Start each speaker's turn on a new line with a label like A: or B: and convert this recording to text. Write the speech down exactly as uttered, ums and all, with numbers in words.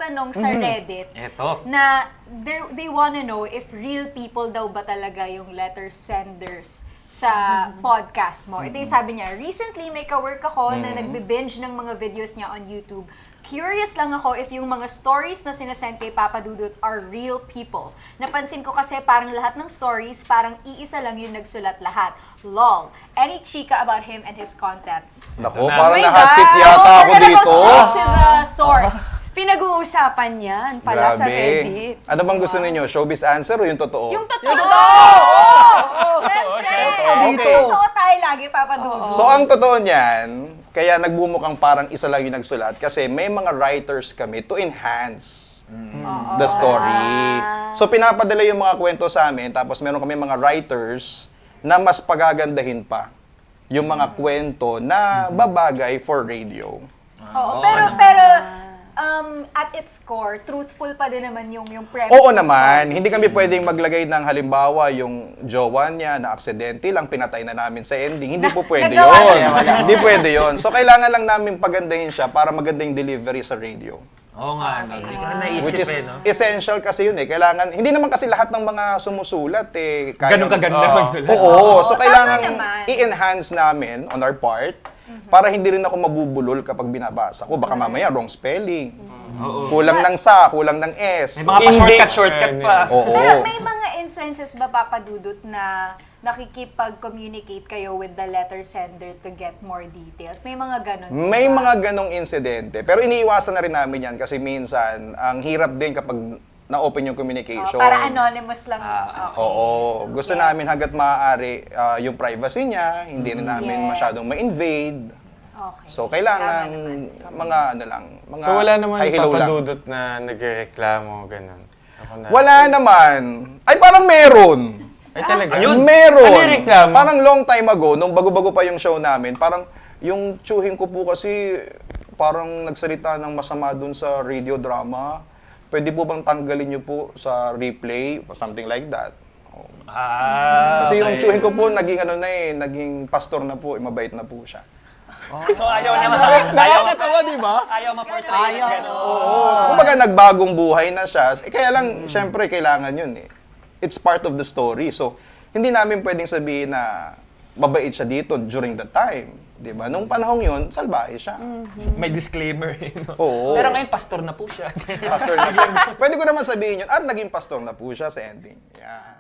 A: nagtanong sa Reddit
B: Eto.
A: na they, they wanna know if real people daw ba talaga yung letter senders sa podcast mo. Ito yung sabi niya, recently may kawork ako na nagbe-binge ng mga videos niya on YouTube. Curious lang ako if yung mga stories na sinasend kay Papa Dudut are real people. Napansin ko kasi parang lahat ng stories, parang iisa lang yung nagsulat lahat. Lol. Any chika about him and his contents?
C: Nako,
B: na.
C: parang
D: Oh my
C: na-hot seat
D: God!
C: yata
A: So,
C: ako
A: we're gonna
C: dito.
A: go straight to the source.
D: Pinag-uusapan yan pala sa Reddit.
C: Ano bang gusto ninyo? Showbiz answer o yung totoo?
D: Yung totoo!
A: Yung totoo!
B: Siyempre.
C: Dito.
A: Totoo tayo lagi, Papa Dudut.
C: So ang totoo niyan, kaya nagbumukang parang isa lang yung nagsulat kasi may mga writers kami to enhance the story. So pinapadala yung mga kwento sa amin, tapos meron kami mga writers na mas pagagandahin pa yung mga kwento na babagay for radio.
A: Oo, pero, pero, um, at its core, truthful pa din naman yung, yung premise.
C: Oo
A: ng
C: naman,
A: story.
C: hindi kami pwedeng maglagay ng halimbawa yung jowa niya na aksidente lang, pinatay na namin sa ending. Hindi po pwede
A: nagawa
C: yun.
A: niya.
C: Hindi pwede yun. So kailangan lang namin pagandahin siya para maganda yung delivery sa radio.
B: Oo nga, no? Hindi ko na naisip
C: Which is
B: eh, no?
C: essential kasi yun eh. Kailangan, hindi naman kasi lahat ng mga sumusulat eh. kaya-
B: Ganun kaganda
C: Oo.
B: magsulat.
C: Oo, so
A: tama
C: kailangan
A: naman.
C: i-enhance namin on our part para hindi rin ako mabubulol kapag binabasa ko. Baka mamaya wrong spelling.
B: Oo.
C: Kulang ng sa, kulang ng s.
B: May mga pa-shortcut-shortcut pa.
C: Oo.
A: Pero may mga instances ba, Papa Dudut, na nakikipag-communicate kayo with the letter sender to get more details? May mga ganun ba?
C: May mga ganong insidente. Pero iniiwasan na rin namin yan kasi minsan, ang hirap din kapag na-open yung
A: Oh,
C: communication.
A: para anonymous lang.
B: Ah,
A: Okay.
C: Oo. Gusto
A: Yes.
C: namin hanggat maaari ah, yung privacy niya, hindi rin namin
A: Yes.
C: masyadong ma-invade.
A: Okay.
C: So, kailangan
A: Tama naman.
C: mga ano lang, mga
E: So wala naman
C: high-hilaw lang.
E: papadudot na nagreklamo, ganun. Ako na.
C: Wala naman. Ay, parang meron.
E: Ay talaga?
B: Ayun.
C: Meron.
E: Ano yung reklamo?
C: Parang long time ago, nung bago-bago pa yung show namin, parang yung tsuhin ko po kasi parang nagsalita ng masama dun sa radio drama. Pwede po bang tanggalin niyo po sa replay? Something like that.
B: Ah,
C: Kasi yung
B: okay.
C: tsuhin ko po, naging ano na eh, naging pastor na po, eh, mabait na po siya.
B: So ayaw naman.
C: Nakakatawa, di ba?
B: Ayaw ma-portray yung gano'n.
C: Oo. Kumbaga, nagbagong buhay na siya. Eh, kaya lang, syempre, kailangan yun eh. It's part of the story. So, hindi namin pwedeng sabihin na mabait siya dito during the time. Di ba? Nung panahong yun, salbahe siya.
B: May disclaimer. eh, no?
C: Oo.
B: Pero ngayon, pastor na po siya.
C: Pastor na. Pwede ko naman sabihin yun, at naging pastor na po siya sa ending. Yeah.